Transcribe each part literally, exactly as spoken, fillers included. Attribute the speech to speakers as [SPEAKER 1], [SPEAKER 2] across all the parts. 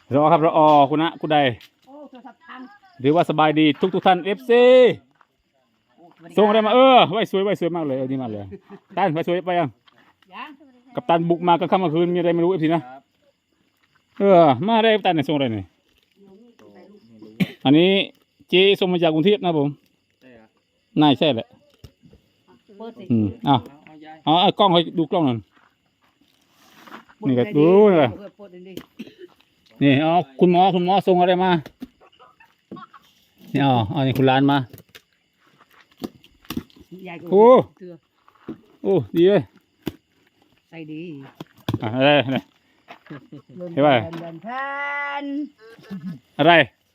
[SPEAKER 1] รอครับรออคุณนะคุณใดหรือว่าสบายดีทุกทุกท่านเอฟซีส่งอะไรมาเออไว้สวยไว้สวยมากเลยดีมากเลยตันไว้สวยไปยังกับตันบุกมาก็ค่ำกลางคืนมีอะไรไม่รู้เอฟซีนะเออมาได้ตันเนี่ยส่งอะไรเนี่ยอันนี้เจส่งมาจากกรุงเทพนะผมน่าใช่แหละอืมอ้าวอ๋อกล้องให้ดูกล้องหน่อยนี่ก็ดูเลยนี่อ๋อคุณหมอคุณหมอส่งอะไรมานี่อ๋ออันนี้คุณร้านมาโอ้โอ้ดีเลย
[SPEAKER 2] ใส่ดี
[SPEAKER 1] อ่ะอะไรอะไรเห็นไหมอะไร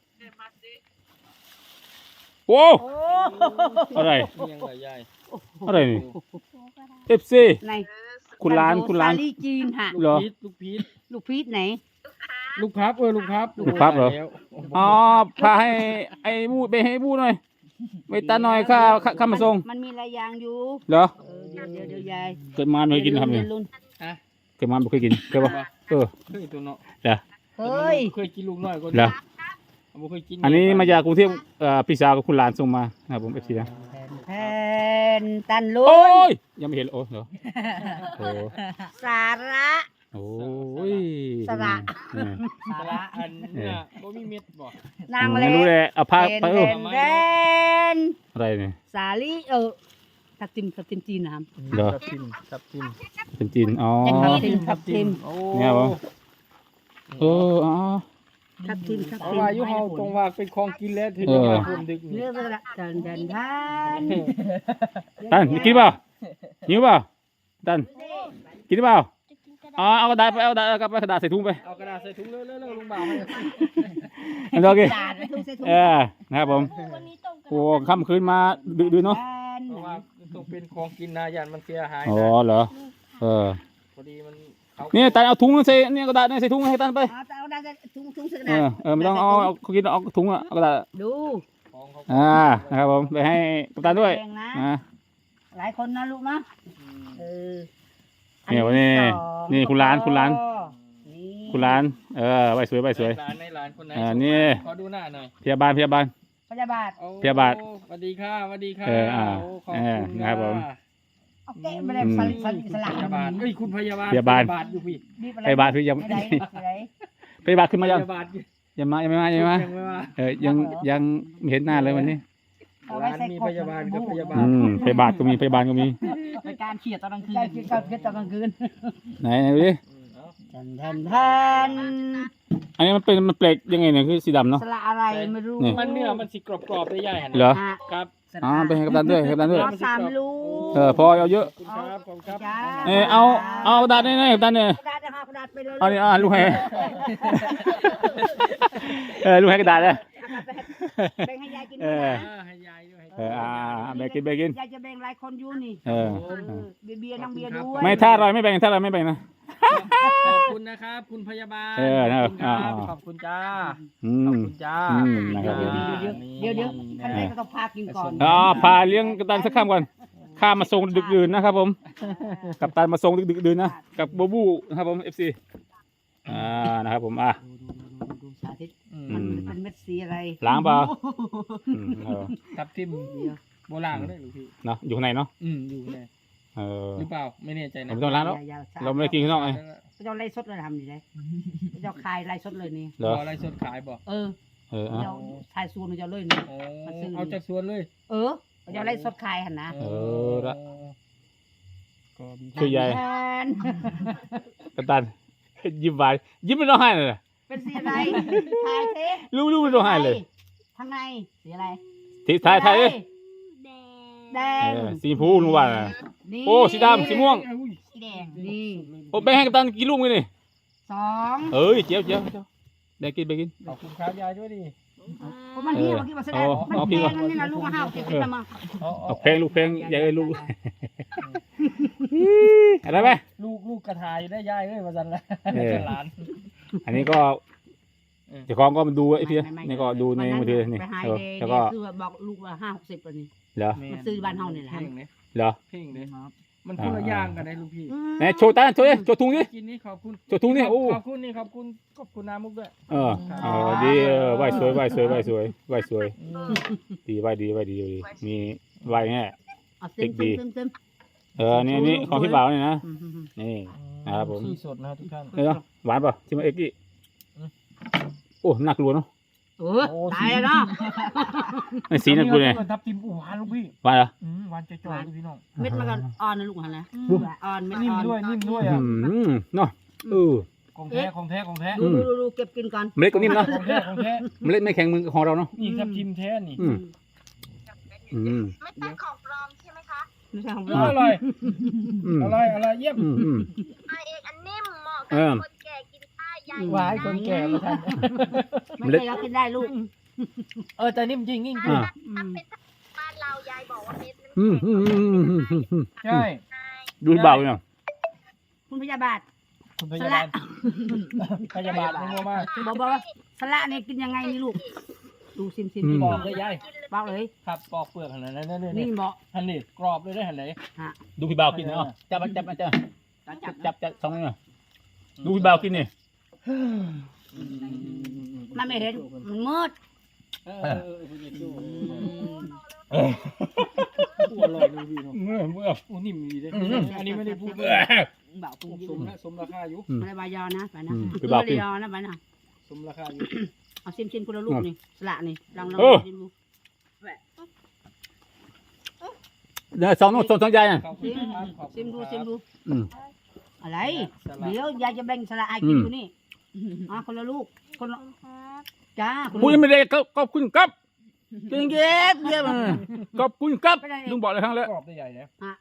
[SPEAKER 1] โอ้อะไรอะไรนี่เอฟซีคุณร้านคุณร้าน
[SPEAKER 2] จีนฮะ
[SPEAKER 1] เหรอ
[SPEAKER 3] ลูกพีช
[SPEAKER 2] ลูกพีชไหน
[SPEAKER 3] ลูกพับเออลูกพับ
[SPEAKER 1] ลูกพับเหรออ๋อพาให้ไอ้บูไปให้บูหน่อยไปตาหน่อยข้าข้ามาส่ง
[SPEAKER 2] มันมีหลายอย่างอยู่
[SPEAKER 1] เหรอ
[SPEAKER 2] เดี๋ยวเดี๋ยวเดี๋ยวยาย
[SPEAKER 1] เกิดมาไม่เคยกินทำเนี่ยเกิดมาไม่เคยกินเคยปะเออ
[SPEAKER 3] เคยตัวเนาะ
[SPEAKER 1] เดี๋ยว
[SPEAKER 2] เฮ้ย
[SPEAKER 3] เคยกินลูกน้อยก็
[SPEAKER 1] เดี๋ยวอันนี้มาจากกรุงเทพเอ่อพี่สาวกับคุณหลานส่งมานะครับผมเอฟซีนะ
[SPEAKER 2] แทนตันลุ
[SPEAKER 1] โอ้ยยังไม่เห็นโอ้เหรอโอ้
[SPEAKER 2] สาระ
[SPEAKER 1] โอ้ย
[SPEAKER 2] สาระ
[SPEAKER 3] สาระอันเนี่ยบ่มีเม็ดบ่
[SPEAKER 2] นางเลย
[SPEAKER 1] รู้เลยเอาผ้าไปเอออะไรเนี่ย
[SPEAKER 2] สาลีเออทับทิมทับทิมจีนนะครับ
[SPEAKER 1] เหรอ
[SPEAKER 3] ทับทิมทับทิม
[SPEAKER 1] เป็นจีนอ๋อ
[SPEAKER 2] ทับทิมทับทิม
[SPEAKER 3] โอ้
[SPEAKER 1] เนี่ยบ่เอออ๋อ
[SPEAKER 2] ทับทิมทับทิม
[SPEAKER 3] ว่าอยู่เฮาตรงว่าเป็นของกินแล้วถึงมาคนดึก
[SPEAKER 2] เนื้อละดันดันดัน
[SPEAKER 1] ตันกินเปล่าหิวเปล่าตันกินเปล่าอ๋อเอากระดาษไปเอากระดาษกับกระดาษใส่ถุงไป
[SPEAKER 3] เอากระดาษใส่ถุงเร็วๆๆลุงบ่าว
[SPEAKER 1] ให้โอเคเออนะครับผมโอ้ค่ำคืนมาดื้อๆเนาะ
[SPEAKER 3] เพราะว่าต้องเป็นของกินนะยันมันเสียหาย
[SPEAKER 1] อ๋อเหรอเออ
[SPEAKER 3] พอดีมัน
[SPEAKER 1] นี่ตันเอาถุงใส่เนี่ยกระดาษใส่ถุงให้ตันไป
[SPEAKER 2] เอากระดาษถุงถุงใส่กระ
[SPEAKER 1] ดาษเออไม่ต้องเอาเขากินเอาถุงอะกระดาษ
[SPEAKER 2] ดู
[SPEAKER 1] อ่านะครับผมไปให้กัปตันด้วยนะ
[SPEAKER 2] หลายคนนะลูกนะเออ
[SPEAKER 1] นี่วันนี้นี่คุณร้านคุณร้านคุณร้านเออใบสวยใบสวย
[SPEAKER 3] ร้านในร้านคนไหน
[SPEAKER 1] อ่านี่
[SPEAKER 3] ขอดูหน้าหน่อย
[SPEAKER 1] พยาบาลพยาบาล
[SPEAKER 2] พยาบาล
[SPEAKER 1] พยาบาล
[SPEAKER 3] สวัสดีค่ะสวัสดีค่ะ
[SPEAKER 1] เอออ่าเออนะครับผม
[SPEAKER 2] โอเคไม่ได้สลิดสลิดสลัก
[SPEAKER 3] พยาบาลเอ้ยคุณพยาบาล
[SPEAKER 1] พยาบาล
[SPEAKER 3] อยู่พี่
[SPEAKER 1] พยาบาลคือยังพยาบาลขึ้นมายังยังมายังไม่มายังไม่มาเออยังยังไม่เห็นหน้าเลยวันนี้
[SPEAKER 3] ร้านมีพยาบาลกับพยาบาล
[SPEAKER 1] พยาบาลก็มีพยาบาลก็มี
[SPEAKER 2] ในการเขียดตอนกลางคืนเขียดเขียดตอนกลางคืน
[SPEAKER 1] ไหนไหนดูดิ
[SPEAKER 2] แทนแทนแทน
[SPEAKER 1] อันนี้มันเป็นมันเปลกยังไงเนี่ยคือสีดำเนาะ
[SPEAKER 2] สละอะไรไม่รู้
[SPEAKER 3] มันเนื้อมันสีกรอบๆได้ใหญ่
[SPEAKER 1] เหรอ
[SPEAKER 3] ครับ
[SPEAKER 1] อ๋อไปให้กัปตันด้วยให้กัปตันด้วย
[SPEAKER 2] สามลูก
[SPEAKER 1] เออพอเอาเยอะ
[SPEAKER 3] ครับผมครับ
[SPEAKER 1] เออเอาเอากระดาษนี่นี่กัปตันเนี่ย
[SPEAKER 2] กระดาษนะคะกระดาษไปเลย
[SPEAKER 1] เอานี่อ่าลูกให้เออลูกให้กระดาษเลย
[SPEAKER 2] แบ่งให้ยายกิน
[SPEAKER 3] เออให้ยายด้วย
[SPEAKER 1] เอออ่าแบ่งกินแบ่งกิน
[SPEAKER 2] ยายจะแบ่งหลายคนอยู่นี่
[SPEAKER 1] เออ
[SPEAKER 2] เบียร์น้องเบียร์ด้วย
[SPEAKER 1] ไม่ถ้าอร่อยไม่แบ่งถ้าอร่อยไม่แบ่งนะ
[SPEAKER 3] ขอบคุณนะครับคุณพยาบาล
[SPEAKER 1] เออนะครับ
[SPEAKER 3] ขอบคุณจ้า
[SPEAKER 1] ข
[SPEAKER 3] อบคุณจ้า
[SPEAKER 2] เดี๋ยวเดี๋ยวข้างในก็ต้องพากินก่อน
[SPEAKER 1] อ๋อพาเลี้ยงกัปตันสักข้ามก่อนข้ามาส่งดึกดื่นนะครับผมกัปตันมาส่งดึกดึกดื่นนะกับโบบูนะครับผมเอฟซีอ่านะครับผมอ่ะ
[SPEAKER 2] สาธิตมันเป็นเม็ดสีอะไร
[SPEAKER 1] ล้างเปล่า
[SPEAKER 3] ทับทิมโบราณก็ได้หรือพี่
[SPEAKER 1] เนาะอยู่ข้างในเนาะ
[SPEAKER 3] อืมอยู่ใน
[SPEAKER 1] เออ
[SPEAKER 3] หรือเปล่าไม่แน่ใจนะ
[SPEAKER 1] ไม่ต้องล้างแล้วเราไม่ได้กินข้างนอกไง
[SPEAKER 2] เจ้าไล่สดเลยทำดีเลยเจ้าคายไล่สดเลยนี่
[SPEAKER 3] เหรอไล่สดขายบ่
[SPEAKER 2] เออเออเจ้าชายส่วนเจ้าเลยนี่
[SPEAKER 3] เอาจากส่วนเลย
[SPEAKER 2] เออเจ้าไล่สดขายหันนะ
[SPEAKER 1] เออละคือใหญ่กัปตันยิ้มหวานยิ้มไม่ร้องไห้เลย
[SPEAKER 2] เป็นสีอะไรทายเท
[SPEAKER 1] รู้รู้ไม่ร้องไห้เลย
[SPEAKER 2] ข้างในสีอะไร
[SPEAKER 1] สีทายทาย
[SPEAKER 2] แดง
[SPEAKER 1] สีฟูนุ่ว่าโอ้สีดำสีม่วง
[SPEAKER 2] สีแดงนี่
[SPEAKER 1] โอ้ไปให้กัปตันกินลูกเลยนี่
[SPEAKER 2] สอง
[SPEAKER 1] เอ้ยเจียวเจียวได้กินไปกิน
[SPEAKER 3] ขอบคุณครับยายด้วยดิ
[SPEAKER 2] ผมมันเหี้ยเมื่อกี้มาแสดงมันแพงนั่นนี่นะลูกห้าวเก็บขึ้นมา
[SPEAKER 1] เอาเพลงลูกเพลงใหญ่เลยลูกอะไรไหม
[SPEAKER 3] ลูกลูกกระถายได้ยายเลยมาจันละหลาน
[SPEAKER 1] อันนี้ก็เจ้าของก็มาดูไอ้พี่นี่ก็ดูในมือถือนี่
[SPEAKER 2] แล้
[SPEAKER 1] วก็
[SPEAKER 2] คือบอกลูกว่าห้าหกสิบปีนี่
[SPEAKER 1] เหรอ
[SPEAKER 2] มาซื้อบ้านเฮาเนี่ยแหละ
[SPEAKER 1] เหรอ
[SPEAKER 2] เ
[SPEAKER 3] มันคนละอย่างกันนะลูกพี่
[SPEAKER 1] ไหนโชว์ตาโชว์ดิโชว์ถุงดิ
[SPEAKER 3] กินนี่ขอบคุณ
[SPEAKER 1] โชว์ถุงนี่โอ้
[SPEAKER 3] ขอบคุณนี่ขอบคุณขอบคุณน้ำมุกด้วย
[SPEAKER 1] เออเออดีเออไหวสวยไหวสวยไหวสวยไหวสวย
[SPEAKER 3] อืม
[SPEAKER 1] ดีไหวดีไหวดีดีมีไหวแง่
[SPEAKER 2] เอาเต็มเต็มเต็มเต็ม
[SPEAKER 1] เออนี่นี่ของพี่บ่าวนี่นะนี่ ครับผม
[SPEAKER 3] ขี้สดนะทุกท่าน
[SPEAKER 1] เออหวานป่ะชิมมาเอ็กกี้โอ้หนักลัวเนาะ
[SPEAKER 2] เออตายแล้วเนาะ
[SPEAKER 1] ไอ้สีหนักลัวเนี่ย
[SPEAKER 3] ทับทิมหวานลูกพี่
[SPEAKER 1] หวานเหรอ
[SPEAKER 3] อืมหวานจ่อยๆเลยพี่น้อง
[SPEAKER 2] เม็ดมันก็อ่อนนะลูกหันนะอ่อนเม็ด
[SPEAKER 3] นิ่ม
[SPEAKER 2] อ่อน
[SPEAKER 3] ด้วยนิ่มด้วย
[SPEAKER 1] อื
[SPEAKER 3] อ่ะ
[SPEAKER 1] มเนาะเออ
[SPEAKER 3] ของแท้ของแท้ของแท้
[SPEAKER 2] ดูดูดูเก็บกินก่อน
[SPEAKER 1] เมล็ดก็นิ่มเนาะ
[SPEAKER 3] ของแท้ของแท้
[SPEAKER 1] เมล็ดไม่แข็งมือของเราเนาะ
[SPEAKER 3] นี่ทับทิมแท้นี่
[SPEAKER 1] อืมอืม
[SPEAKER 4] ไม่เป็นของปลอมใช่ไหมคะ
[SPEAKER 2] ไม่ใช่ของ
[SPEAKER 3] อ
[SPEAKER 2] เรา
[SPEAKER 3] ร่อย
[SPEAKER 1] อืม
[SPEAKER 3] อร่อยอร่อยเยี่ยม
[SPEAKER 1] อืมอืม
[SPEAKER 4] ไอเอกอันนิ่มเหมาะ
[SPEAKER 1] เอ
[SPEAKER 4] กับ
[SPEAKER 1] อ
[SPEAKER 4] คนแก่กินได้ใหญ่
[SPEAKER 3] หวานคนแก่มาทาน
[SPEAKER 2] ไม่ใช่เรากินได้ลูก
[SPEAKER 3] เออแต่นิ่มจริงนิ่มจริ
[SPEAKER 1] อ่าง
[SPEAKER 2] อืม
[SPEAKER 4] บ้านเรายายบอกว่าเม็ดมัน
[SPEAKER 1] อืมอืมอืมอืมอืมอืม
[SPEAKER 3] ใช่
[SPEAKER 1] ดูเบาเนี่ย
[SPEAKER 2] คุณพยาบาล
[SPEAKER 3] คุณพยาบาลพยาบาลไม่งัวมาก
[SPEAKER 2] บอกบอกว่าสละเนี่ยกินยังไงนี่ลูกดูซิมซิม
[SPEAKER 3] ป
[SPEAKER 2] บ
[SPEAKER 3] อ
[SPEAKER 2] อก
[SPEAKER 3] กเลยยาย
[SPEAKER 2] บอกเลย
[SPEAKER 3] ครับปอกเปลือกขนาดนั้นนี่
[SPEAKER 2] นี่
[SPEAKER 3] นี่
[SPEAKER 2] บอก
[SPEAKER 3] หันนี่กรอบเลยได้หันไหน
[SPEAKER 1] ดูพี่เบากินเนาะจับจับจับ
[SPEAKER 2] จับ
[SPEAKER 1] จับจับสองนี่ดูพี่เบากินนี่
[SPEAKER 2] มันไม่เห็นมันมืด
[SPEAKER 3] เออเออคุณจะดูอร่อยเลยพี่น้อง
[SPEAKER 1] เมื่อเมื่อ
[SPEAKER 3] โอ้นิ่มดีเลยอันนี้ไม่ได้พูดเลย
[SPEAKER 2] เบาปุ้งยิง
[SPEAKER 3] สมนะสมราคาอยู่
[SPEAKER 2] ไม่ได้บายอนะไปนะ
[SPEAKER 1] พี่เบา
[SPEAKER 2] ไม่
[SPEAKER 1] กิ
[SPEAKER 2] ได้
[SPEAKER 1] น
[SPEAKER 2] ยอนะไปนะ
[SPEAKER 3] สมราคาอยู่
[SPEAKER 2] เอาซิมซิมคนละลูกนี่สละนี่ลองลอง
[SPEAKER 1] เออ
[SPEAKER 2] ชิมดู
[SPEAKER 1] เดี๋ยวสองน้องสองสองยายอ่ะ
[SPEAKER 3] ขอบคุณครับขอบคุ
[SPEAKER 2] ซิ
[SPEAKER 3] ณ
[SPEAKER 2] มดู
[SPEAKER 3] ครับ
[SPEAKER 2] ซิมดู
[SPEAKER 1] อืม
[SPEAKER 2] อะไร
[SPEAKER 3] สลัด
[SPEAKER 2] เดี๋ยวยายจะแบ่งสละให้กิน
[SPEAKER 1] อืม
[SPEAKER 2] ดูนี่อ่ะคนละลูกคนละจ้าคนละ
[SPEAKER 1] พูด
[SPEAKER 2] ลูก
[SPEAKER 1] ไม่ได้ก็ขอบคุณครับเก่งเก็บเยี่ยมขอบคุณครับลุงบอกเลยครั้งแล้ว
[SPEAKER 3] กรอบได้ใหญ่เลย
[SPEAKER 2] อ่ะ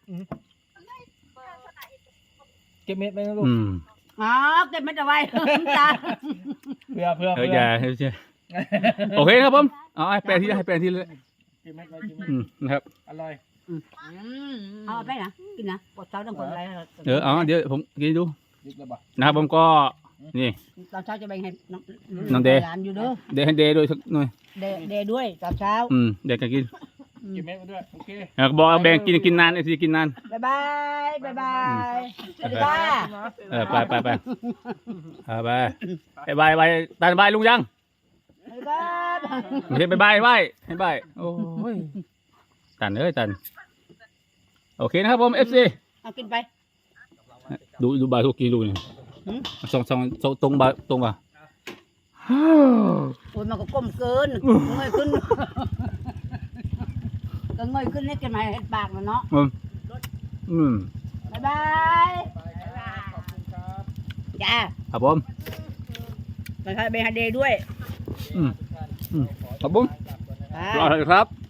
[SPEAKER 3] เก็บเม็ดไปนะลูก
[SPEAKER 1] อืม
[SPEAKER 2] อ๋อเก็บไม่ได้ไว้ตา
[SPEAKER 3] เพื่อเพื่อ
[SPEAKER 1] เออ
[SPEAKER 3] เพื่อ
[SPEAKER 1] อย่าเฮ้ยโอเคครับผมเอาให้แปลที่ให้แปลที่เลย
[SPEAKER 3] เก็บเม็ดไว้เก็บเม็ด
[SPEAKER 1] อืมนะครับ
[SPEAKER 3] อร่อย
[SPEAKER 2] เอาไปนะกินนะปวดเช้าต้องปวดอะไร
[SPEAKER 1] เดี๋ยวอ๋อเดี๋ยวผมกินดู
[SPEAKER 3] ยึดเลยบ่
[SPEAKER 1] นะครับผมก็นี่
[SPEAKER 2] ตอนเช้าจะแบ่งให้น้อง
[SPEAKER 1] น้องเดย์
[SPEAKER 2] หลานอยู่เด้อ
[SPEAKER 1] เดย์ให้เดย์ด้วยสักหน่อย
[SPEAKER 2] เดย์เดย์ด้วยตอนเช้า
[SPEAKER 1] อืมเด็กกันกิน
[SPEAKER 3] เก็บเม็ดไว้ด้วยโอเค
[SPEAKER 1] เออบอกแบ่งกินกินนานไอ้ที่กินนาน
[SPEAKER 2] บ๊ายบายบ๊ายบายสวัสดีค่ะ
[SPEAKER 1] เออไปไปไปเออไปไปบายบายตานบายลุงยัง
[SPEAKER 2] บ๊ายบาย
[SPEAKER 1] ไม่ใช่บายบายบายให้บายโอ้ยตันเอ้ยตันโอเคนะครับผมเอฟซี
[SPEAKER 2] เอากินไป
[SPEAKER 1] ดูดูบายทุกกิโลนี่
[SPEAKER 2] หืม
[SPEAKER 1] สองสองสองตรงบายตรงป่ะ
[SPEAKER 2] โอ้ยมันก็ก้มเกินเงยขึ้นก็เงยขึ้นนี่กินมาเห็ดปากมันเนาะ
[SPEAKER 1] อืมอืม
[SPEAKER 2] บ๊ายบาย
[SPEAKER 3] ขอบคุณครับ
[SPEAKER 2] จ้า
[SPEAKER 1] ครับผม
[SPEAKER 2] ไปให้เบฮาเดย์ด้วย
[SPEAKER 1] อืมอืมครับผม
[SPEAKER 2] ไป
[SPEAKER 1] รอเลยครับ